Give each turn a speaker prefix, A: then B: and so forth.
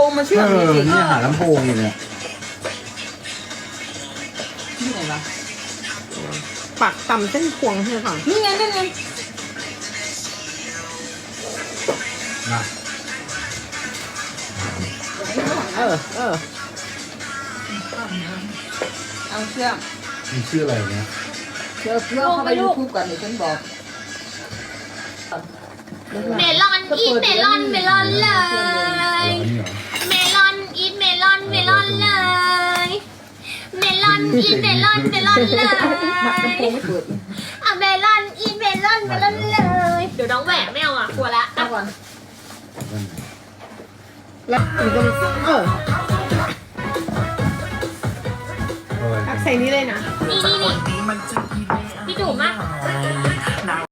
A: งมาเชื่อมจริง
B: นี่หาลำโพงอยู่เนี่ย
A: นี่ไหนวะ
C: ปักต่ำเส้นพวงใช่ไหมคะ
A: นี่ไงนั่นไง
B: นะ
C: เออ
A: เอาเชื่อม
B: มันชื่ออะไรเนี่ย
A: เชื่อเข้าไปยูทูบกันเดี๋ยวฉันบอก
D: เมลอนอีทเมลอนเมลอนเล
B: นี่เหรอ
D: เมลอนอีทเมลอนเมลอนเลยเมลอนอีทเมลอนเมลอนเลย
A: หมักน้ำโพไม่เปิด
D: อ่ะเมลอนอีทเมลอนเมลอนเลยเดี๋ยวน้องแหวกไม่เอาอ่ะกลัวละ
A: เอาก่อน
C: แล้วถึงตรงปักใส่นี้เลยนะ
D: นี่
E: มันจึง